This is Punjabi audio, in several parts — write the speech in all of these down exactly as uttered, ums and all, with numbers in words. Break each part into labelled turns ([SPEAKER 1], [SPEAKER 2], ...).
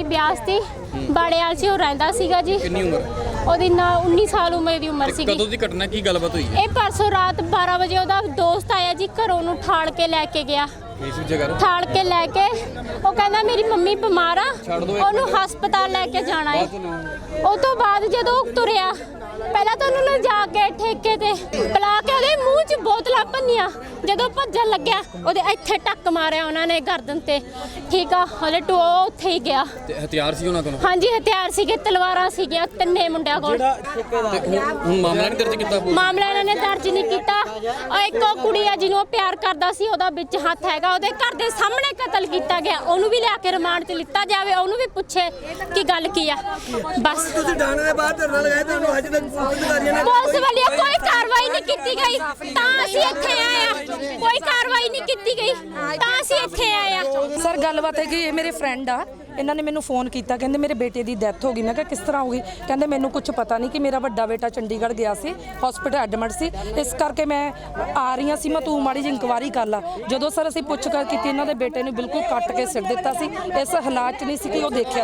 [SPEAKER 1] ਦੀ ਬਿਆਸ ਦੀ ਬਾੜੇਵਾਲ 'ਚ ਉਹ ਰਹਿੰਦਾ ਸੀਗਾ ਜੀ।
[SPEAKER 2] ਕਿੰਨੀ ਉਮਰ?
[SPEAKER 1] ਉਹਦੀ ਨਾ ਉੱਨੀ ਸਾਲ ਉਮਰ ਦੀ ਉਮਰ ਸੀਗੀ।
[SPEAKER 2] ਕਦੋਂ ਦੀ ਘਟਨਾ, ਕੀ ਗੱਲਬਾਤ ਹੋਈ?
[SPEAKER 1] ਇਹ ਪਰਸੋਂ ਰਾਤ ਬਾਰਾਂ ਵਜੇ ਉਹਦਾ ਦੋਸਤ ਆਇਆ ਜੀ, ਘਰੋਂ ਨੂੰ ਠਾਲ ਕੇ ਲੈ ਕੇ ਗਿਆ।
[SPEAKER 2] ਇਸ ਜਗ੍ਹਾ
[SPEAKER 1] ਠਾਲ ਕੇ ਲੈ ਕੇ ਉਹ ਕਹਿੰਦਾ ਮੇਰੀ ਮੰਮੀ ਬਿਮਾਰ ਆ, ਉਹਨੂੰ ਹਸਪਤਾਲ ਲੈ ਕੇ ਜਾਣਾ ਹੈ। ਉਹ ਤੋਂ ਬਾਅਦ ਜਦੋਂ ਉਹ ਤੁਰਿਆ, ਪਹਿਲਾਂ ਤਾਂ ਉਹਨੂੰ ਲਿਜਾ ਕੇ ਠੇਕੇ ਤੇ ਪਿਲਾ ਕੇ ਉਹਦੇ ਮੂੰਹ 'ਚ ਬੋਤਲਾਂ ਭੰਨੀਆਂ। ਜਦੋਂ ਭੱਜਣ ਲੱਗਿਆ ਉਹਦੇ ਇੱਥੇ ਟੱਕ ਮਾਰਿਆ ਉਹਨਾਂ ਨੇ ਗਰਦਨ ਤੇ, ਠੀਕ ਆ। ਉਹਦੇ ਟੋ ਉੱਥੇ ਹੀ ਗਿਆ।
[SPEAKER 2] ਤੇ ਹਥਿਆਰ ਸੀ ਉਹਨਾਂ ਕੋਲ?
[SPEAKER 1] ਹਾਂਜੀ ਹਥਿਆਰ ਸੀਗੇ, ਤਲਵਾਰਾਂ ਸੀਗੀਆਂ ਤਿੰਨੇ ਮੁੰਡਿਆਂ ਕੋਲ।
[SPEAKER 2] ਹੁਣ ਮਾਮਲਾ ਨਹੀਂ ਦਰਜ ਕੀਤਾ?
[SPEAKER 1] ਮਾਮਲਾ ਇਹਨਾਂ ਨੇ ਦਰਜ ਨਹੀਂ ਕੀਤਾ। ਉਹ ਇੱਕ ਉਹ ਕੁੜੀ ਆ ਜਿਹਨੂੰ ਉਹ ਪਿਆਰ ਕਰਦਾ ਸੀ, ਉਹਦਾ ਵਿੱਚ ਹੱਥ ਹੈਗਾ। ਉਹਦੇ ਘਰ ਦੇ ਸਾਹਮਣੇ ਕਤਲ ਕੀਤਾ ਗਿਆ, ਉਹਨੂੰ ਵੀ ਲਿਆ ਕੇ ਰਿਮਾਂਡ 'ਚ ਲਿੱਤਾ ਜਾਵੇ, ਉਹਨੂੰ ਵੀ ਪੁੱਛੇ ਕਿ ਗੱਲ ਕੀ ਆ। ਬਸ
[SPEAKER 3] ਤੁਸੀਂ ਥਾਣੇ ਦੇ ਬਾਹਰ ਧਰਨਾ ਲਗਾਇਆ, ਤੁਹਾਨੂੰ ਅੱਜ ਤੱਕ ਪੁਲਿਸ ਅਧਿਕਾਰੀਆਂ ਨੇ
[SPEAKER 1] ਪੁਲਿਸ ਵਾਲੀ ਕੋਈ ਕਾਰਵਾਈ ਨਹੀਂ ਕੀਤੀ ਗਈ, ਤਾਂ ਅਸੀਂ ਇੱਥੇ ਆਏ ਆ। ਕੋਈ ਕਾਰਵਾਈ ਨਹੀਂ ਕੀਤੀ ਗਈ ਤਾਂ ਅਸੀਂ ਇੱਥੇ ਆਏ ਆ।
[SPEAKER 4] ਸਰ ਗੱਲਬਾਤ ਹੈ ਕਿ ਇਹ ਮੇਰੇ ਫਰੈਂਡ ਆ, ਇਹਨਾਂ ਨੇ ਮੈਨੂੰ ਫੋਨ ਕੀਤਾ, ਕਹਿੰਦੇ ਮੇਰੇ ਬੇਟੇ ਦੀ ਡੈਥ ਹੋ ਗਈ। ਮੈਂ ਕਿਹਾ ਕਿਸ ਤਰ੍ਹਾਂ ਹੋ ਗਈ? ਕਹਿੰਦੇ ਮੈਨੂੰ ਕੁਝ ਪਤਾ ਨਹੀਂ, ਕਿ ਮੇਰਾ ਵੱਡਾ ਬੇਟਾ ਚੰਡੀਗੜ੍ਹ ਗਿਆ ਸੀ, ਹਸਪੀਟਲ ਐਡਮਿਟ ਸੀ, ਇਸ ਕਰਕੇ ਮੈਂ ਆ ਰਹੀ ਹਾਂ ਸੀ। ਮੈਂ ਤੂੰ ਮਾੜੀ ਜਿਹੀ ਇਨਕੁਆਇਰੀ ਕਰ ਲਾ। ਜਦੋਂ ਸਰ ਅਸੀਂ ਪੁੱਛ ਕਰ ਕੀਤੀ, ਇਹਨਾਂ ਦੇ ਬੇਟੇ ਨੂੰ ਬਿਲਕੁਲ ਕੱਟ ਕੇ ਸਿੱਟ ਦਿੱਤਾ ਸੀ। ਇਸ ਹਾਲਾਤ 'ਚ ਨਹੀਂ ਸੀ ਕਿ ਉਹ ਦੇਖਿਆ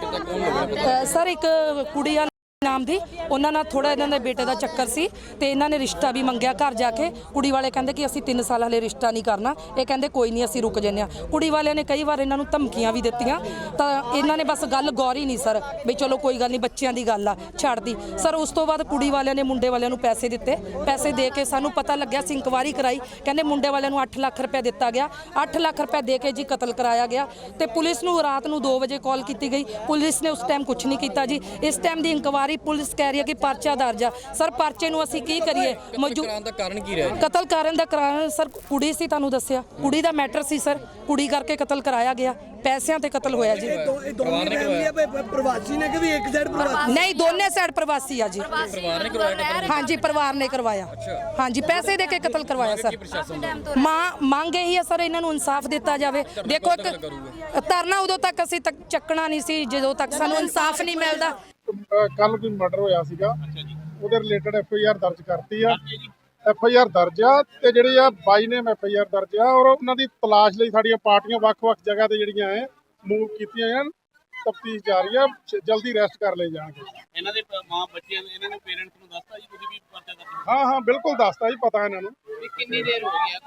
[SPEAKER 4] ਜਾਵੇ। ਸਰ ਇੱਕ ਕੁੜੀ ਆ ਨਾਮ ਦੀ, ਉਹਨਾਂ ਨਾਲ ਥੋੜਾ ਇਹਨਾਂ ਦੇ ਬੇਟੇ ਦਾ ਚੱਕਰ ਸੀ ਤੇ ਇਹਨਾਂ ਨੇ ਰਿਸ਼ਤਾ ਵੀ ਮੰਗਿਆ ਘਰ ਜਾ ਕੇ। ਕੁੜੀ ਵਾਲੇ ਕਹਿੰਦੇ ਕਿ ਅਸੀਂ ਤਿੰਨ ਸਾਲ ਹਲੇ ਰਿਸ਼ਤਾ ਨਹੀਂ ਕਰਨਾ। ਇਹ ਕਹਿੰਦੇ ਕੋਈ ਨਹੀਂ ਅਸੀਂ ਰੁਕ ਜੰਨੇ ਆ। ਕੁੜੀ ਵਾਲਿਆਂ ਨੇ ਕਈ ਵਾਰ ਇਹਨਾਂ ਨੂੰ ਧਮਕੀਆਂ ਵੀ ਦਿੱਤੀਆਂ, ਤਾਂ ਇਹਨਾਂ ਨੇ ਬਸ ਗੱਲ ਗੌਰੀ ਨਹੀਂ ਸਰ ਵੀ ਚਲੋ ਕੋਈ ਗੱਲ ਨਹੀਂ, ਬੱਚਿਆਂ ਦੀ ਗੱਲ ਆ, ਛੱਡਦੀ। ਸਰ ਉਸ ਤੋਂ ਬਾਅਦ ਕੁੜੀ ਵਾਲਿਆਂ ਨੇ ਮੁੰਡੇ ਵਾਲਿਆਂ ਨੂੰ ਪੈਸੇ ਦਿੱਤੇ। ਪੈਸੇ ਦੇ ਕੇ ਸਾਨੂੰ ਪਤਾ ਲੱਗਿਆ, ਅਸੀਂ ਇਨਕੁਆਇਰੀ ਕਰਾਈ, ਕਹਿੰਦੇ ਮੁੰਡੇ ਵਾਲਿਆਂ ਨੂੰ ਅੱਠ ਲੱਖ ਰੁਪਏ ਦਿੱਤਾ ਗਿਆ। ਅੱਠ ਲੱਖ ਰੁਪਏ ਦੇ ਕੇ ਜੀ ਕਤਲ ਕਰਾਇਆ ਗਿਆ। ਤੇ ਪੁਲਿਸ ਨੂੰ ਰਾਤ ਨੂੰ ਦੋ ਵਜੇ ਕਾਲ ਕੀਤੀ ਗਈ, ਪੁਲਿਸ ਨੇ ਉਸ ਟਾਈਮ ਕੁਝ ਨਹੀਂ ਕੀਤਾ ਜੀ। ਇਸ ਟਾਈਮ ਦੀ ਇਨਕੁਆਇਰੀ ਪੁਲਿਸ ਕਹਿ ਰਹੀ ਹੈ ਕਿ ਪਰਚਾ ਦਰਜ ਆ। ਸਰ ਪਰਚੇ ਨੂੰ ਅਸੀਂ ਕੀ ਕਰੀਏ?
[SPEAKER 2] ਮੌਜੂਦ ਦਾ ਕਾਰਨ ਕੀ ਰਿਹਾ?
[SPEAKER 4] ਕਤਲ ਕਰਨ ਦਾ ਕਾਰਨ ਸਰ ਕੁੜੀ ਸੀ, ਤੁਹਾਨੂੰ ਦੱਸਿਆ ਕੁੜੀ ਦਾ ਮੈਟਰ ਸੀ ਸਰ। ਕੁੜੀ ਕਰਕੇ ਕਤਲ ਕਰਾਇਆ ਗਿਆ, ਪੈਸਿਆਂ ਤੇ ਕਤਲ ਹੋਇਆ ਜੀ।
[SPEAKER 3] ਇਹ ਦੋਨੇ ਫੈਮਲੀਆਂ ਪ੍ਰਵਾਸੀ ਨੇ ਕਿ ਵੀ ਇੱਕ ਸਾਈਡ ਪ੍ਰਵਾਸੀ?
[SPEAKER 4] ਨਹੀਂ, ਦੋਨੇ ਸਾਈਡ ਪ੍ਰਵਾਸੀ ਆ ਜੀ।
[SPEAKER 2] ਪਰਿਵਾਰ ਨੇ ਕਰਵਾਇਆ?
[SPEAKER 4] ਹਾਂਜੀ ਪਰਿਵਾਰ ਨੇ ਕਰਵਾਇਆ। ਹਾਂਜੀ ਪੈਸੇ ਦੇ ਕੇ ਕਤਲ ਕਰਵਾਇਆ ਸਰ। ਮਾਂ ਮੰਗ ਇਹੀ ਹੈ ਸਰ, ਇਹਨਾਂ ਨੂੰ ਇਨਸਾਫ ਦਿੱਤਾ ਜਾਵੇ। ਦੇਖੋ ਇੱਕ ਧਰਨਾ ਉਦੋਂ ਤੱਕ ਅਸੀਂ ਤੱਕ ਚੱਕਣਾ ਨਹੀਂ ਸੀ ਜਦੋਂ ਤੱਕ ਸਾਨੂੰ ਇਨਸਾਫ ਨਹੀਂ ਮਿਲਦਾ।
[SPEAKER 5] ਕੱਲ ਕੋਈ ਮਰਡਰ ਹੋਇਆ ਸੀਗਾ, ਉਹਦੇ ਰਿਲੇਟਡ ਐਫ ਆਈ ਆਰ ਦਰਜ ਕਰਤੀ ਆ। ਐਫ ਆਈ ਆਰ ਦਰਜ ਆ ਤੇ ਜਿਹੜੇ ਆ ਬਾਈ ਨੇ ਐਫ ਆਈ ਆਰ ਦਰਜ ਆ, ਔਰ ਉਹਨਾਂ ਦੀ ਤਲਾਸ਼ ਲਈ ਸਾਡੀਆਂ ਪਾਰਟੀਆਂ ਵੱਖ-ਵੱਖ ਜਗ੍ਹਾ ਤੇ ਜਿਹੜੀਆਂ ਐ ਮੂਵ ਕੀਤੀਆਂ ਆ। ਤਫਤੀਸ਼ ਜਾਰੀ ਆ, ਜਲਦੀ ਅਰੈਸਟ ਕਰ ਲਏ ਜਾਣਗੇ।
[SPEAKER 6] ਇਹਨਾਂ ਦੇ ਮਾਂ ਬੱਚਿਆਂ ਨੇ, ਇਹਨਾਂ ਨੇ ਪੇਰੈਂਟਸ ਨੂੰ ਦੱਸਤਾ ਜੀ? ਤੁਸੀਂ ਵੀ ਪਰਚਾ ਦਰਜ?
[SPEAKER 5] ਹਾਂ ਹਾਂ ਬਿਲਕੁਲ ਦੱਸਤਾ ਜੀ, ਪਤਾ ਇਹਨਾਂ ਨੂੰ।
[SPEAKER 6] ਕਿੰਨੀ ਦੇਰ ਹੋ ਗਈ ਆ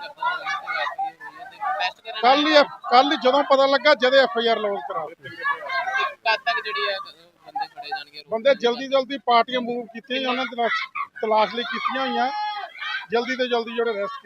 [SPEAKER 6] ਟੈਸਟ ਕਰਨ?
[SPEAKER 5] ਕੱਲ ਹੀ ਕੱਲ ਹੀ ਜਦੋਂ ਪਤਾ ਲੱਗਾ, ਜਦੇ ਐਫ ਆਈ ਆਰ ਲੌਂਚ ਕਰਾ ਦਿੱਤੀ।
[SPEAKER 6] ਕਦ ਤੱਕ ਜਿਹੜੀ ਆ ਬੰਦੇ ਫੜੇ ਜਾਣਗੇ?
[SPEAKER 5] ਬੰਦੇ ਜਲਦੀ ਜਲਦੀ ਪਾਰਟੀਆਂ ਮੂਵ ਕੀਤੀਆਂ, ਉਹਨਾਂ ਦੀ ਤਲਾਸ਼ ਲਈ ਕੀਤੀਆਂ ਹੋਈਆਂ। ਜਲਦੀ ਤੋਂ ਜਲਦੀ ਜਿਹੜੇ ਅਰੈਸਟ